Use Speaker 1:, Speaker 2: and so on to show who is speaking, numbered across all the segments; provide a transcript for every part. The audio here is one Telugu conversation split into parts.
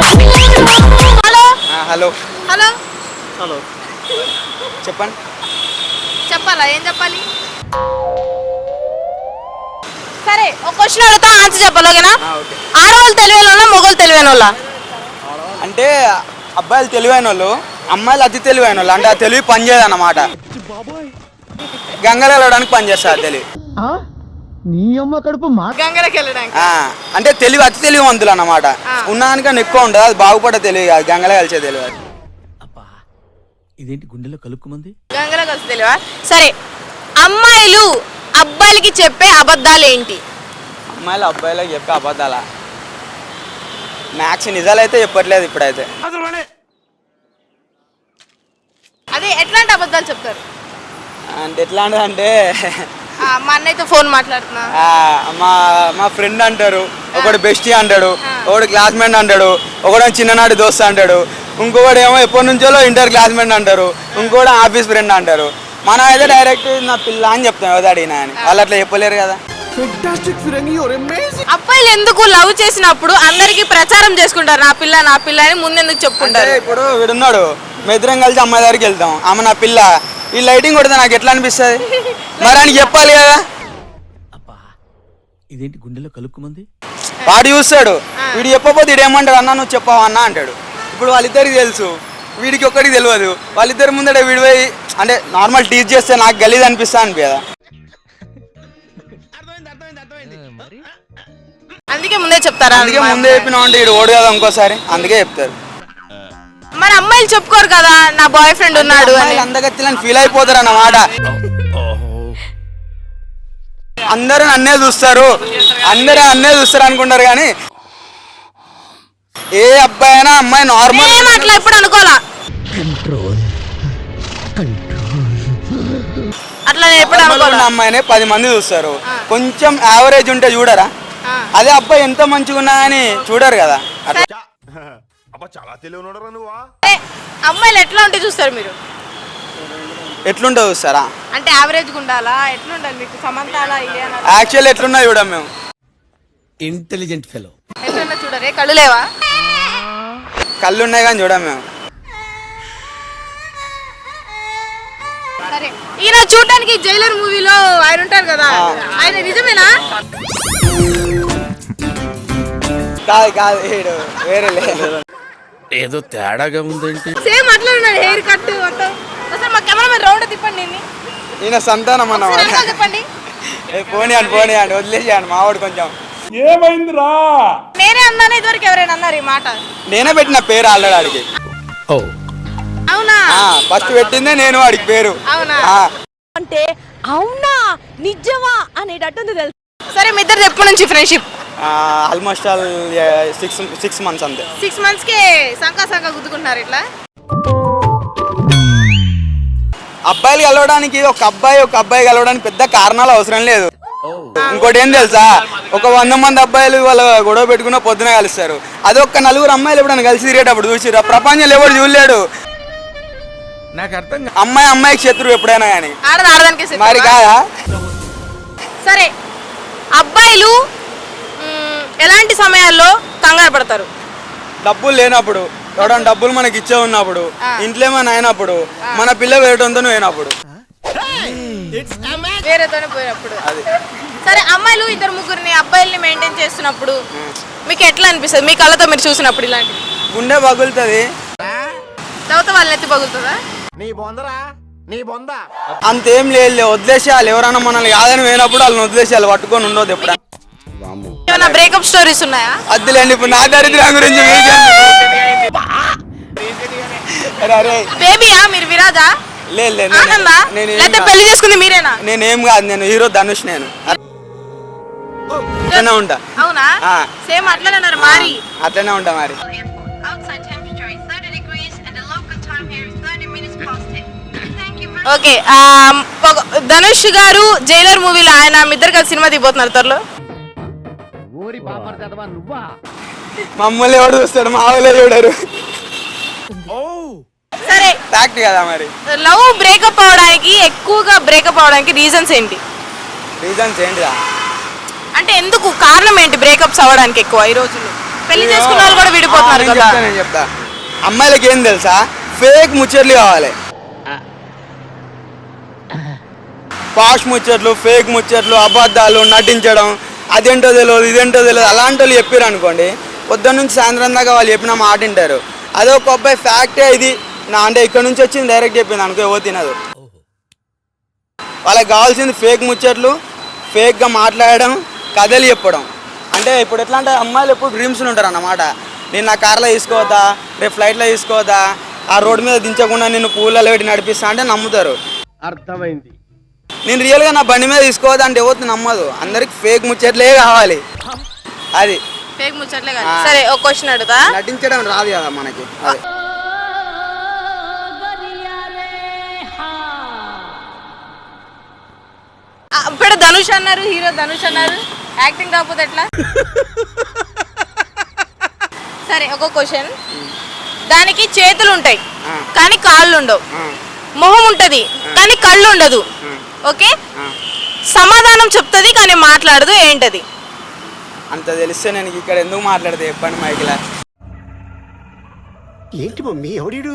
Speaker 1: హలో
Speaker 2: హలో
Speaker 1: హలో
Speaker 2: హలో చెప్పండి.
Speaker 1: చెప్పాలా? ఏం చెప్పాలి? సరే ఒక క్వశ్చన్ అడుగుతా, ఆన్సర్ చెప్పాలి, ఓకేనా?
Speaker 2: ఓకే.
Speaker 1: ఆడవాళ్ళు తెలివైన వాళ్ళ, మొగోళ్ళు తెలివైన వాళ్ళ?
Speaker 2: అంటే అబ్బాయిలు తెలివైన వాళ్ళు, అమ్మాయిలు అతి తెలివైన వాళ్ళు. అంటే ఆ తెలివి పనిచేయదు అన్నమాట. గంగలు వెళ్ళడానికి పనిచేస్తారు తెలివి.
Speaker 3: నీ అమ్మ కడుపు మా
Speaker 1: గంగలకి వెళ్ళడానికి.
Speaker 2: అంటే తెలివి అతి తెలివివంతులు అన్నమాట. ఉన్నదానికన్నా ఎక్కువ ఉండదు. అది బాగుపడే తెలివి కాదు, గంగలే కలిసే తెలివి.
Speaker 3: అబ్బా ఇదేంటి గుండెలో కలుపుకుమంది.
Speaker 1: గంగలో కలిసి తెలివా? సరే, అమ్మాయిలు అబ్బాయిలకి చెప్పే అబద్ధాలు ఏంటి?
Speaker 2: అమ్మాయిలు అబ్బాయిలకు చెప్పే అబద్ధాలా? మ్యాక్స్ నిజాలు అయితే చెప్పట్లేదు ఇప్పుడైతే.
Speaker 1: అదే ఎట్లాంటి అబద్ధాలు చెప్తారు?
Speaker 2: అంటే ఎట్లాంటిది అంటే
Speaker 1: మా అన్నయ్యతో ఫోన్ మాట్లాడుతున్నా,
Speaker 2: మా మా ఫ్రెండ్ అంటారు, ఒకడు బెస్టీ అంటాడు, ఒకడు క్లాస్మేట్ అంటాడు, ఒకడు చిన్ననాటి దోస్త్ అంటాడు, ఇంకొకడు ఏమో ఎప్పటి నుంచో ఇంటర్ క్లాస్మేట్ అంటారు, ఇంకోటి ఆఫీస్ ఫ్రెండ్ అంటారు. మనం అయితే డైరెక్ట్ నా పిల్ల అని చెప్తాం, ఎవరు అడిగినా అని. వాళ్ళు అట్లా చెప్పలేరు కదా.
Speaker 1: అబ్బాయిలు ఎందుకు లవ్ చేసినప్పుడు అందరికి ప్రచారం చేసుకుంటారు, నా పిల్ల నా పిల్ల అని ముందెందుకు చెప్పుకుంటారు?
Speaker 2: ఇప్పుడు వీడున్నాడు, మెద్దరం కలిసి అమ్మాయి దగ్గరికి వెళ్తాం, ఆమె నా పిల్ల, ఈ లైటింగ్ కొడితే నాకు ఎట్లా అనిపిస్తుంది? మరి అని చెప్పాలి కదా.
Speaker 3: అబ్బా ఇదేంటి గుండెలో కలుపుకుమంది.
Speaker 2: వాడు చూస్తాడు, వీడు చెప్పకపోతే వీడు ఏమంటాడు, అన్న నువ్వు చెప్పావా అన్న అంటాడు. ఇప్పుడు వాళ్ళిద్దరికి తెలుసు, వీడికి ఒక్కడికి తెలియదు. వాళ్ళిద్దరి ముందట వీడి పోయి అంటే నార్మల్ టీచ్ చేస్తే నాకు గలీజ్ అనిపిస్తా అనిపి కదా.
Speaker 1: అందుకే ముందే చెప్తారా?
Speaker 2: అందుకే ముందే చెప్పినా అంటే వీడు ఓడు కదా ఇంకోసారి, అందుకే చెప్తారు.
Speaker 1: మరి అమ్మాయిలు చెప్పుకోరు కదా నా బాయ్ ఫ్రెండ్ ఉన్నాడు అని?
Speaker 2: అందగత్తిలని ఫీల్ అయిపోతారు అన్నమాట. అందరూ నన్నే చూస్తారు, అందరూ నన్నే చూస్తారు అనుకుంటారు. కానీ ఏ అబ్బాయి అయినా అమ్మాయి నార్మల్
Speaker 1: అట్లా ఎప్పుడు అనుకోవాలా, అట్లా నేను ఎప్పుడు అనుకోవాలా.
Speaker 2: అమ్మాయినే 10 మంది చూస్తారు, కొంచెం యావరేజ్ ఉంటే చూడరా? అదే అబ్బాయి ఎంత మంచిగా ఉన్నా అని చూడరు కదా.
Speaker 1: అమ్మాయిలు ఎట్లా ఉంటే చూస్తారు మీరు?
Speaker 2: ఎట్లుంటే చూస్తారా?
Speaker 1: అంటే యావరేజ్ ఉండాలా, ఎట్లుండాలి మీకు? సమంతాలా
Speaker 2: యాక్చువల్ ఎట్లున్నా చూడం మేము.
Speaker 3: Intelligent fellow.
Speaker 1: ఎట్లున్నా చూడరే? కళ్ళు లేవా?
Speaker 2: కళ్ళు ఉన్నాయి కానీ చూడం మేము.
Speaker 1: సరే, ఈయన చూడడానికి జైలర్ మూవీలో ఆయన ఉంటారు కదా, ఆయన నిజమేనా?
Speaker 2: కాదు కాదు, వేరే
Speaker 3: ఏదో తేడాగా ఉందేంటి.
Speaker 1: సేమ్ అట్లా ఉన్నాడు, హెయిర్ కట్ మొత్తం. అసలు మా కెమెరామెన్ రౌండ్ తిప్పండి దీన్ని.
Speaker 2: ఈయన సంతానం అన్నమాట.
Speaker 1: చెప్పండి.
Speaker 2: పోనీ అని వదిలేసాను మావాడు కొంచెం.
Speaker 4: ఏమైందిరా?
Speaker 1: నేనే అన్నాను, ఇదివరకు ఎవరైనా అన్నారు ఈ మాట?
Speaker 2: నేనే పెట్టిన పేరు ఆల్రెడీ ఆడికి.
Speaker 3: ఓ
Speaker 1: అవునా?
Speaker 2: ఫస్ట్ పెట్టిందే నేను వాడికి పేరు.
Speaker 1: అవునా?
Speaker 5: అంటే అవునా నిజమా అనేటట్టుంది తెలుసు.
Speaker 1: సరే, మీ ఇద్దరు ఎప్పటి నుంచి ఫ్రెండ్షిప్?
Speaker 2: ఆల్మోస్ట్ ఆల్ 6 months అంతే.
Speaker 1: 6 months కే సంకా గుద్దుకుంటున్నారు ఇట్లా?
Speaker 2: అబ్బాయిలు కలవడానికి ఒక అబ్బాయి కలవడానికి పెద్ద కారణాలు అవసరం లేదు. ఇంకోటి ఏం తెలుసా, ఒక 100 మంది అబ్బాయిలు వాళ్ళ గొడవ పెట్టుకున్న పొద్దున కలుస్తారు. అది ఒక 4 అమ్మాయిలు ఎప్పుడైనా కలిసి తిరిగేటప్పుడు చూసిరా? ప్రపంచంలో ఎవరు చూడలేడు.
Speaker 3: నాకు అర్థం.
Speaker 2: అమ్మాయికి శత్రువు ఎప్పుడైనా కానీ
Speaker 1: ఆడదానికి
Speaker 2: మరి కాదా?
Speaker 1: సరే, అబ్బాయిలు ఎలాంటి సమయాల్లో కంగారు పడతారు?
Speaker 2: డబ్బులు లేనప్పుడు, ఎవడన్నా డబ్బులు మనకి ఇచ్చే ఉన్నప్పుడు, ఇంట్లో ఏమైనా అయినప్పుడు, మన పిల్ల వేయడంతో అయినప్పుడు,
Speaker 1: వేరేతోనే పోయినప్పుడు. సరే, అమ్మాయిలు 2-3 అబ్బాయిల్ని మెయింటైన్ చేస్తున్నప్పుడు మీకు ఎట్లా అనిపిస్తుంది? మీ కళ్ళతో మీరు చూసినప్పుడు ఇలాంటి
Speaker 2: గుండె పగులుతుంది.
Speaker 1: తర్వాత వాళ్ళని ఎత్తి పగులుతుందా?
Speaker 2: అంతేం లేదు, వదిలేసేయాలి. ఎవరైనా మనల్ని కాదని పోయినప్పుడు వాళ్ళని వదిలేసేయాలి, పట్టుకొని ఉండదు. ఎప్పుడైనా
Speaker 1: ఏమైనా బ్రేకప్ స్టోరీస్ ఉన్నాయా?
Speaker 2: అద్దులేండి, ఇప్పుడు నా దరిద్రం గురించి
Speaker 1: బేబీయా మీరు? విరాజా? ఆనందా? లేకపోతే పెళ్లి చేసుకుంది మీరేనా?
Speaker 2: నేనేం కాదు, నేను హీరో ధనుష్. నేను అట్లనే ఉంటా.
Speaker 1: అవునా? సేమ్ అట్లనే ఉన్నారు మరి.
Speaker 2: అట్లనే ఉంటా మరి.
Speaker 1: ఓకే, ధనుష్ గారు జైలర్ మూవీలో ఆయన మీ ఇద్దరు కలిసి సినిమా దిగిపోతున్నారు త్వరలో.
Speaker 2: మమ్మల్ని ఎవడు చూస్తాడు? మా వాళ్ళే చూడరు.
Speaker 1: సరే,
Speaker 2: ఫ్యాక్ట్ కదా మరి.
Speaker 1: లవ్ బ్రేకప్ అవడానికి రీజన్స్ ఏంటి?
Speaker 2: రీజన్స్ ఏంటిదా
Speaker 1: అంటే ఎందుకు, కారణం ఏంటి బ్రేకప్స్ అవ్వడానికి ఎక్కువ ఈ రోజుల్లో? పెళ్లి చేసుకున్న వాళ్ళు కూడా విడిపోతున్నారు కదా.
Speaker 2: నేను చెప్తా అమ్మాయిలకి ఏం తెలుసా, ఫేక్ ముచ్చట్లు కావాలి. పాష్ ముచ్చట్లు, ఫేక్ ముచ్చట్లు, అబద్ధాలు, నటించడం, అదేంటో తెలియదు ఇదేంటో తెలియదు అలాంటి వాళ్ళు చెప్పారు అనుకోండి, పొద్దున్న నుంచి సాయంత్రం దాకా వాళ్ళు చెప్పిన మాట వింటారు. అదే ఒక అబ్బాయి ఫ్యాక్టే ఇది నా అంటే ఇక్కడ నుంచి వచ్చింది డైరెక్ట్ చెప్పింది అనుకో, ఏవో తినదు. వాళ్ళకి కావాల్సింది ఫేక్ ముచ్చట్లు, ఫేక్గా మాట్లాడడం, కథలు చెప్పడం. అంటే ఇప్పుడు ఎట్లా అంటే అమ్మాయిలు ఎప్పుడు డ్రీమ్స్లు ఉంటారు అన్నమాట. నేను నా కార్లో తీసుకోవద్దా, రేపు ఫ్లైట్లో తీసుకోవద్దా, ఆ రోడ్డు మీద దించకుండా నిన్ను పూలలో పెట్టి నడిపిస్తా అంటే నమ్ముతారు.
Speaker 4: అర్థమైంది.
Speaker 2: నేను రియల్గా నా బండి మీద తీసుకోవద్దా అంటే ఎవరు నమ్మదు. అందరికి ఫేక్ ముచ్చట్లే కావాలి. అది
Speaker 1: ఫేక్ ముచ్చట్లే కాదు. సరే ఒక క్వశ్చన్ అడుగుతా.
Speaker 2: నటించడం రాదు కదా మనకి. అదే
Speaker 1: ఇప్పుడు ధనుష్ అన్నారు, హీరో ధనుష్ అన్నారు, యాక్టింగ్ కాకపోతే ఎట్లా? సరే ఒక క్వశ్చన్, దానికి చేతులు ఉంటాయి కానీ కాళ్ళు ఉండవు, మొహం ఉంటది కానీ కళ్ళు ఉండదు, ఓకే, సమాధానం చెప్తుంది కానీ మాట్లాడదు, ఏంటది?
Speaker 2: అంత తెలిస్తే నేను ఇక్కడ ఎందుకు మాట్లాడితే చెప్పండి మైకిలా.
Speaker 4: ఏంటి మమ్మీ ఎవడీడు?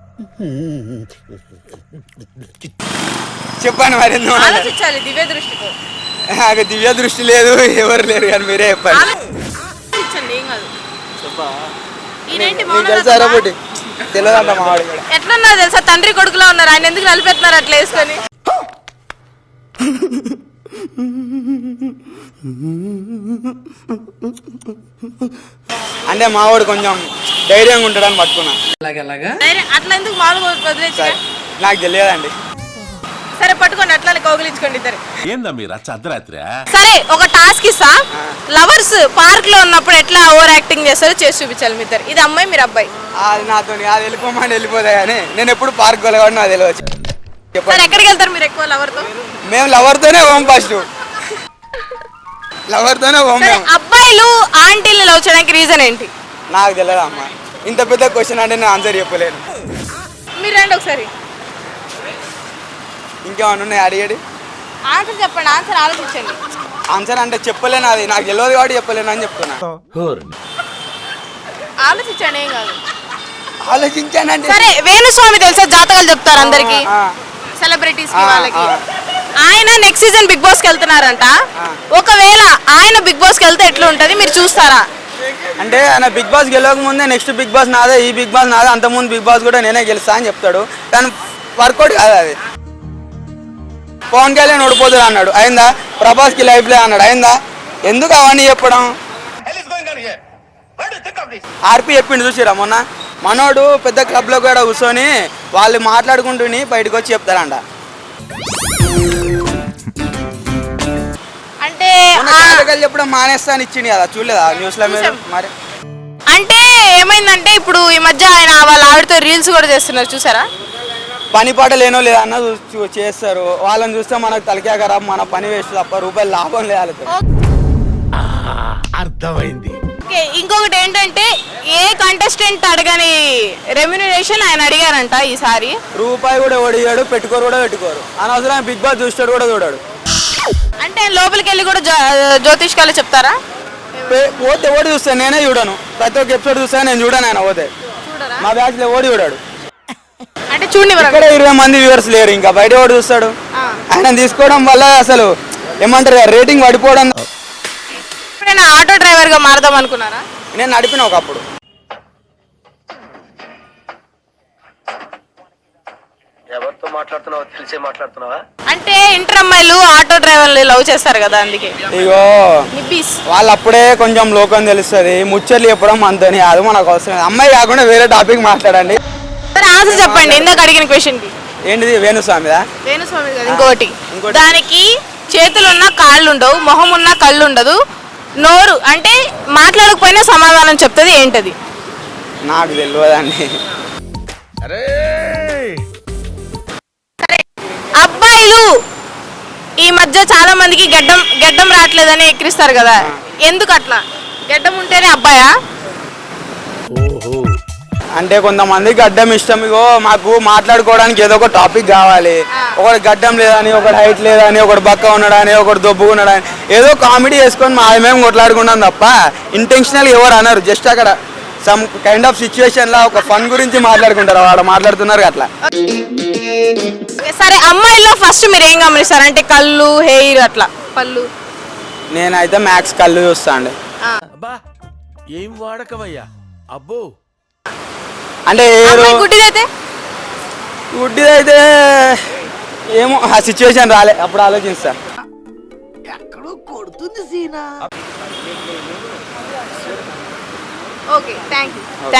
Speaker 2: చెప్పండి మరి ఎందుకు
Speaker 1: ఆలోచించాలి దివ్య దృష్టితో.
Speaker 2: నాకు దివ్య దృష్టి లేదు, ఎవరు లేరు కానీ మీరే చెప్పండి.
Speaker 1: ఆలోచించండి, ఏం కాదు. ఈయనేంటి
Speaker 2: నీకు తెలుసా ఒకటి తెలియదంట మా వాడు కూడా.
Speaker 1: ఎట్లున్నారు తెలుసా, తండ్రి కొడుకులో ఉన్నారు. ఆయన ఎందుకు నలిపెత్తున్నారు అట్లా వేసుకొని?
Speaker 2: అంటే మా వాడు కొంచెం ధైర్యంగా ఉంటాడని పట్టుకున్నా.
Speaker 1: అట్లా ఎందుకు మామూలుగా వదిలేసి?
Speaker 2: నాకు తెలియదండి.
Speaker 1: సరే పట్టుకోండి, అట్లా కౌగిలించుకోండి ఇద్దరు.
Speaker 6: ఏందా మీరు అర్ధరాత్రి?
Speaker 1: సరే ఒక టాస్క్ ఇస్తా. లవర్స్ పార్క్ లో ఉన్నప్పుడు ఎట్లా ఓవర్ యాక్టింగ్ చేస్తారో చేసి చూపించాలి మీ ఇద్దరు. ఇది అమ్మాయి, మీరు అబ్బాయి.
Speaker 2: అది నాతో అది వెళ్ళిపోమని వెళ్ళిపోతా కానీ నేను ఎప్పుడు పార్క్ వెళ్ళగాడు నాకు తెలియదు.
Speaker 1: సరే ఎక్కడికి వెళ్తారు మీరు ఎక్కువ లవర్ తో?
Speaker 2: మేము లవర్తోనే పోం, ఫస్ట్ లవర్తోనే పోం.
Speaker 1: సరే అబ్బాయిలు ఆంటీల్ని లవ్ చేయడానికి రీజన్ ఏంటి?
Speaker 2: నాకు తెలియదు అమ్మ, ఇంత పెద్ద క్వశ్చన్ అంటే నేను ఆన్సర్ చెప్పలేను.
Speaker 1: మీరు రండి ఒకసారి,
Speaker 2: ఇంకేమన్నా ఉన్నాయి అడిగేది?
Speaker 1: ఆన్సర్ చెప్పండి, ఆన్సర్ ఆలోచించండి.
Speaker 2: ఆన్సర్ అంటే చెప్పలేను, అది నాకు తెలియదు కాబట్టి చెప్పలేను అని చెప్తున్నా.
Speaker 1: ఆలోచించండి, ఏం కాదు.
Speaker 2: ఆలోచించానంటే
Speaker 1: సరే వేణుస్వామి తెలుసా, జాతకాలు చెప్తారు అందరికి, సెలబ్రిటీస్ కి వాళ్ళకి. ఆయన నెక్స్ట్ సీజన్ బిగ్ బాస్ కి వెళ్తున్నారంట. ఒకవేళ ఆయన బిగ్ బాస్ కి వెళ్తే ఎట్లా ఉంటది, మీరు చూస్తారా?
Speaker 2: అంటే ఆయన బిగ్ బాస్ గెలవక ముందే నెక్స్ట్ బిగ్ బాస్ నాదే, ఈ బిగ్ బాస్ నాదే, అంతకుముందు బిగ్ బాస్ కూడా నేనే గెలుస్తా అని చెప్తాడు. కానీ వర్కౌట్ కాదు అది. పవన్ కళ్యాణ్ ఓడిపోతాడు అన్నాడు, అయిందా? ప్రభాస్కి లైఫ్లే అన్నాడు, అయిందా? ఎందుకు అవన్నీ చెప్పడం? ఆర్పి చెప్పిండు చూసిరా మొన్న, మనోడు పెద్ద క్లబ్లో కూడా కూర్చొని వాళ్ళు మాట్లాడుకుంటూని బయటకు వచ్చి చెప్తారంట.
Speaker 1: అంటే
Speaker 2: జాతకాలు చెప్పడం మానేస్తా అని ఇచ్చింది కదా, చూడలేదా న్యూస్లో మీరు? మరి
Speaker 1: అంటే ఏమైందంటే ఇప్పుడు ఈ మధ్య ఆయన వాళ్ళ ఆవిడతో రీల్స్ కూడా చేస్తున్నారు, చూసారా?
Speaker 2: పని పాట లేనో లేదా అన్న చేస్తారు. వాళ్ళని చూస్తే మనకు తలకే ఖరాబ్, మన పని వేస్ట్ తప్ప రూపాయలు లాభం లేదు.
Speaker 3: అర్థమైంది.
Speaker 1: ఓకే, ఇంకొకటి ఏంటంటే ఏ కంటెస్టెంట్ అడగని రెమ్యునరేషన్ ఆయన అడిగారంట ఈసారి.
Speaker 2: రూపాయి కూడా ఓడియాడు, పెట్టుకోరు కూడా పెట్టుకోరు. అనవసరం బిగ్ బాస్ చూస్తాడు కూడా చూడాడు.
Speaker 1: అంటే లోపలికి వెళ్ళి కూడా జ్యోతిష్కాలు చెప్తారా?
Speaker 2: పోతే ఓడి చూస్తాను, నేనే చూడను. ప్రతి ఒక్క ఎపిసోడ్ చూస్తాను, నేను చూడను. ఆయన పోతే మా బ్యాచ్ లో ఓడి చూడాడు.
Speaker 1: అంటే చూడండి,
Speaker 2: ఇక్కడ 20 మంది వ్యూవర్స్ లేరు, ఇంకా బయట ఓడి చూస్తాడు. ఆయన తీసుకోవడం వల్ల అసలు ఏమంటారు రేటింగ్ పడిపోవడం.
Speaker 1: ఎప్పుడైనా ఆటో డ్రైవర్ గా మారదాం అనుకున్నారా?
Speaker 2: నేను నడిపిన ఒకప్పుడు.
Speaker 4: ఎవరితో మాట్లాడుతున్నావో తెలిసే మాట్లాడుతున్నావా?
Speaker 1: అంటే ఇంటర్ అమ్మాయిలు ఆటో డ్రైవర్లు లవ్ చేస్తారు కదా, అందుకే.
Speaker 2: ఇగో
Speaker 1: నిబ్బీస్
Speaker 2: వాళ్ళు అప్పుడే కొంచెం లోకం తెలుస్తుంది, ముచ్చట్లు చెప్పడం అంతని అది మనకు అవసరం. అమ్మాయి కాకుండా వేరే టాపిక్ మాట్లాడండి.
Speaker 1: సరే ఆన్సర్ చెప్పండి, ఇందాక అడిగిన క్వశ్చన్ కి.
Speaker 2: ఏంటిది? వేణుస్వామిదా?
Speaker 1: వేణుస్వామి కదా. ఇంకోటి, దానికి చేతులున్నా కాళ్ళు ఉండవు, మొహం ఉన్నా కళ్ళు ఉండదు, నోరు అంటే మాట్లాడకపోయినా సమాధానం చెప్తుంది, ఏంటది?
Speaker 2: నాకు తెలియదండి.
Speaker 1: అబ్బాయిలు ఈ మధ్య చాలా మందికి గెడ్డం రావట్లేదని ఎక్కిరిస్తారు కదా, ఎందుకు అట్లా? గెడ్డం ఉంటేనే అబ్బాయా?
Speaker 2: అంటే కొంతమంది గడ్డం ఇష్టం. ఇగో మాకు మాట్లాడుకోవడానికి ఏదో ఒక టాపిక్ కావాలి. ఒకటి గడ్డం లేదని, ఒకటి హైట్ లేదని, ఒకటి బక్క ఉన్నాడని, ఒకటి దొబ్బుగా ఉన్నాడని ఏదో కామెడీ చేసుకొని మేము కొట్లాడుకున్నాం తప్ప ఇంటెన్షనల్ ఎవరు అన్నారు. జస్ట్ అక్కడ సమ్ కైండ్ ఆఫ్ సిచ్యువేషన్ లా ఒక ఫన్ గురించి మాట్లాడుకుంటారు, వాడు మాట్లాడుతున్నారు అట్లా.
Speaker 1: సరే, అమ్మాయిల్లో ఫస్ట్ మీరు ఏం గమనిస్తారు? అంటే కళ్ళు, హెయిర్, అట్లా పళ్ళు.
Speaker 2: నేనైతే మ్యాక్స్ కళ్ళు చూస్తా అండి.
Speaker 3: అబ్బా ఏం వాడకవయ్యా అబ్బో.
Speaker 2: అంటే
Speaker 1: గుడ్డిదైతే
Speaker 2: గుడ్డిదైతే ఏమో ఆ సిచ్యువేషన్ రాలే, అప్పుడు ఆలోచిస్తా.
Speaker 1: Okay, thank you.